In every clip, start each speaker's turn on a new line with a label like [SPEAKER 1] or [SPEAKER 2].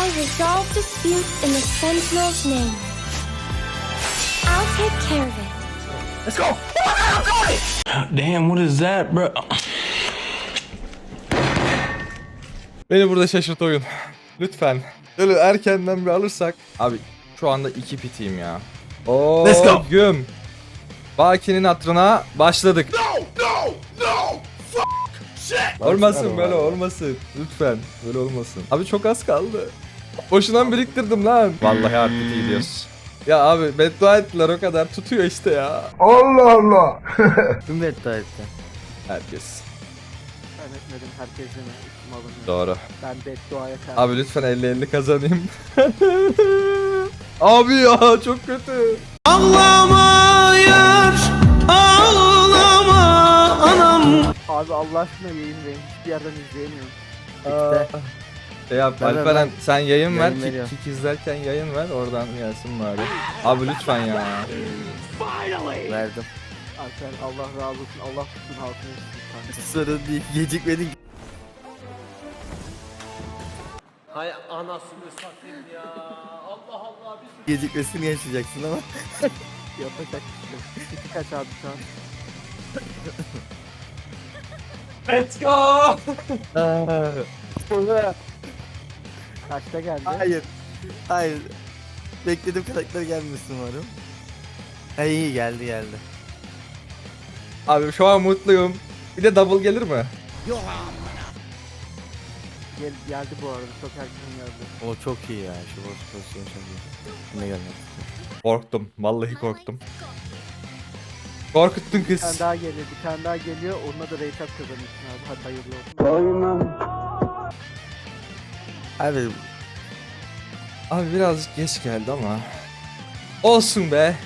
[SPEAKER 1] I resolve disputes in the Sentinel's name. I'll take care of it.
[SPEAKER 2] Let's go! Damn, what is that, bro?
[SPEAKER 3] Beni burada şaşırt oyun. Lütfen. Böyle erkenden bir alırsak. Abi şu anda 2 pitiyim ya. Oo,
[SPEAKER 2] Let's go.
[SPEAKER 3] Güm. Baki'nin hatırına başladık. Olmasın böyle olmasın. Lütfen böyle olmasın. Abi çok az kaldı. Boşuna biriktirdim lan. Vallahi artık iyi diyoruz. Ya abi beddua ettiler o kadar tutuyor işte ya.
[SPEAKER 4] Kim beddua etti?
[SPEAKER 3] Herkes.
[SPEAKER 5] Ben etmedim, herkese mi? Üstüm alınıyor.
[SPEAKER 3] Doğru.
[SPEAKER 5] Ben bedduaya karşı.
[SPEAKER 3] Abi lütfen 50-50 kazanayım. Abi ya çok kötü.
[SPEAKER 5] Abi Allah aşkına yayın verin. Hiçbir yerden izleyemiyorum.
[SPEAKER 3] Şey yap
[SPEAKER 4] Ver, ver,
[SPEAKER 3] Alperen
[SPEAKER 4] ver.
[SPEAKER 3] sen yayın ver,
[SPEAKER 4] Yayın veriyor.
[SPEAKER 3] kick izlerken yayın ver, oradan gelsin bari. Abi lütfen ya.
[SPEAKER 4] Verdim.
[SPEAKER 5] Alper Allah razı olsun. Allah tutsun halkını üstün kanka.
[SPEAKER 4] Sorun değil. Gecikmedin.
[SPEAKER 6] Hay anasını satayım ya. Allah Allah biz
[SPEAKER 4] Gecikmesini yaşayacaksın ama.
[SPEAKER 5] Yapacak bir şey yok. Kiti kaç abi şu an?
[SPEAKER 2] Let's go!
[SPEAKER 5] Kaçta geldi?
[SPEAKER 4] Hayır. Hayır. Beklediğim karakter gelmesin umarım. Ha iyi geldi.
[SPEAKER 3] Abi şu an mutluyum. Bir de double gelir mi?
[SPEAKER 5] Geldi bu arada. Çok erken geldi.
[SPEAKER 4] O çok iyi ya. Şu boss pozisyonu çok iyi. Ne gelmedi?
[SPEAKER 3] Korktum. Vallahi korktum. Korkuttun
[SPEAKER 5] Bir tane
[SPEAKER 3] kız.
[SPEAKER 5] daha geliyor. Bir tane daha geliyor. Onunla da rate up kazanırsın abi. Hadi hayırlı olsun.
[SPEAKER 4] Abi
[SPEAKER 3] Abi birazcık geç geldi ama. Olsun be.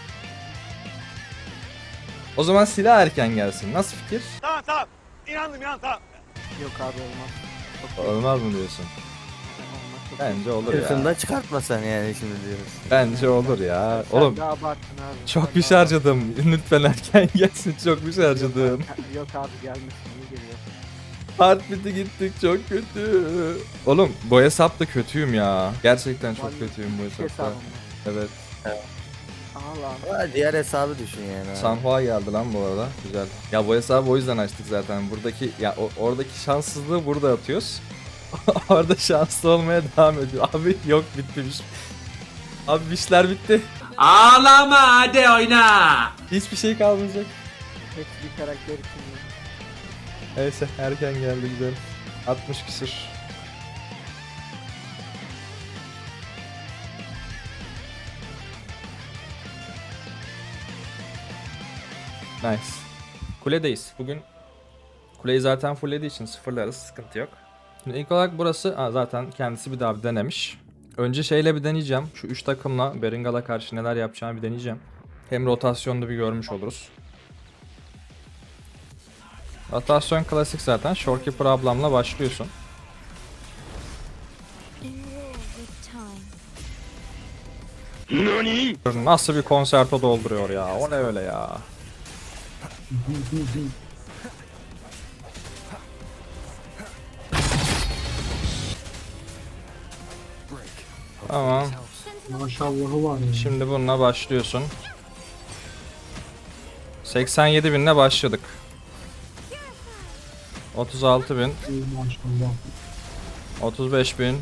[SPEAKER 3] O zaman silah erken gelsin. Nasıl fikir?
[SPEAKER 5] Yok abi olmaz.
[SPEAKER 3] Olmaz mı diyorsun?
[SPEAKER 5] Olmaz. Çok
[SPEAKER 3] Bence olur ya.
[SPEAKER 4] sırtında çıkartmasan yani şimdi diyoruz.
[SPEAKER 3] Bence olur ya.
[SPEAKER 5] Sen
[SPEAKER 3] Oğlum
[SPEAKER 5] de abarttın abi.
[SPEAKER 3] çok
[SPEAKER 5] Sen
[SPEAKER 3] bir
[SPEAKER 5] de
[SPEAKER 3] şey harcadım. Lütfen erken gelsin. Çok bir şey harcadım.
[SPEAKER 5] abarttın. Yok abi gelmesin. İyi geliyor.
[SPEAKER 3] Heartbeat'e gittik çok kötü. Oğlum bu hesapta kötüyüm ya. Gerçekten çok
[SPEAKER 5] Vallahi
[SPEAKER 3] kötüyüm bu
[SPEAKER 5] Hiç
[SPEAKER 3] hesapta.
[SPEAKER 5] hesabım
[SPEAKER 3] Evet.
[SPEAKER 5] Allah.
[SPEAKER 4] Ama diğer hesabı düşün yani. abi.
[SPEAKER 3] Sanhua geldi lan bu arada. Güzel. Ya bu hesabı o yüzden açtık zaten. Buradaki ya oradaki şanssızlığı burada atıyoruz. Orada şanslı olmaya devam ediyor. Abi yok bitmiş. Abi işler bitti.
[SPEAKER 2] Ağlama hadi oyna!
[SPEAKER 3] Hiçbir şey kalmayacak.
[SPEAKER 5] Hepsi bir karakter için. ya.
[SPEAKER 3] Neyse erken geldi güzel. 60 küsür. Nice. Kuledeyiz. Bugün kuleyi zaten fulllediği için sıfırlarız. Sıkıntı yok. Şimdi ilk olarak burası zaten kendisi bir daha bir denemiş. Önce şeyle bir deneyeceğim. Şu 3 takımla Beringal'a karşı neler yapacağını bir deneyeceğim. Hem rotasyonda bir görmüş oluruz. Rotasyon klasik zaten. Shorekeeper ablamla başlıyorsun.
[SPEAKER 1] In war with time.
[SPEAKER 3] Nasıl bir konserto dolduruyor ya. O ne öyle ya. Tamam.
[SPEAKER 7] Maşallahı var ya.
[SPEAKER 3] Şimdi bununla başlıyorsun. 87.000'le başladık. 36.000,
[SPEAKER 7] Maşallah.
[SPEAKER 3] 35.000,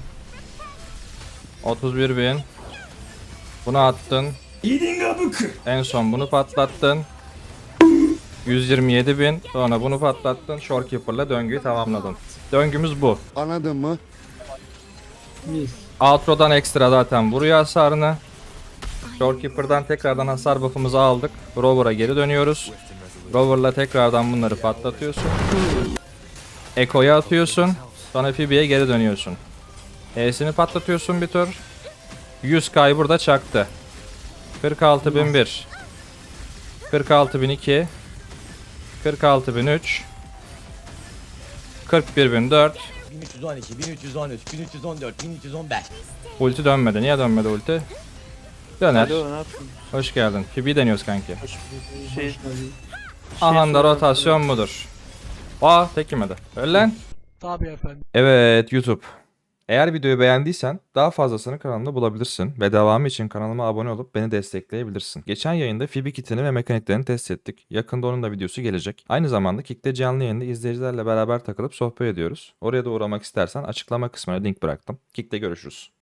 [SPEAKER 3] 31.000. Bunu attın. En son bunu patlattın. 127.000. Sonra bunu patlattın. Shorekeeper'la döngüyü tamamladın. Döngümüz bu.
[SPEAKER 8] Anladın mı?
[SPEAKER 7] Mis.
[SPEAKER 3] Outro'dan ekstra zaten vuruyor hasarını. Shorekeeper'dan tekrardan hasar buff'ımızı aldık. Rover'a geri dönüyoruz. Rover'la tekrardan bunları patlatıyorsun. Echo'ya atıyorsun. Sonra Phoebe'ye geri dönüyorsun. E'sini patlatıyorsun bir tur. 100k burada çaktı. 46.001, 46.002, 46.003, 41.004.
[SPEAKER 6] 1312, 1313, 1314, 1315.
[SPEAKER 3] Ulti dönmedi. Niye dönmedi ulti? Döner. Hoş geldin. Phoebe'yi deniyoruz kanki. Aha da rotasyon budur. Aa tek yemedi. Öyle lan.
[SPEAKER 7] Tabii efendim.
[SPEAKER 3] Evet YouTube. Eğer videoyu beğendiysen daha fazlasını kanalımda bulabilirsin ve devamı için kanalıma abone olup beni destekleyebilirsin. Geçen yayında Phoebe kitini ve mekaniklerini test ettik. Yakında onun da videosu gelecek. Aynı zamanda Kick'te canlı yayında izleyicilerle beraber takılıp sohbet ediyoruz. Oraya da uğramak istersen açıklama kısmına link bıraktım. Kick'te görüşürüz.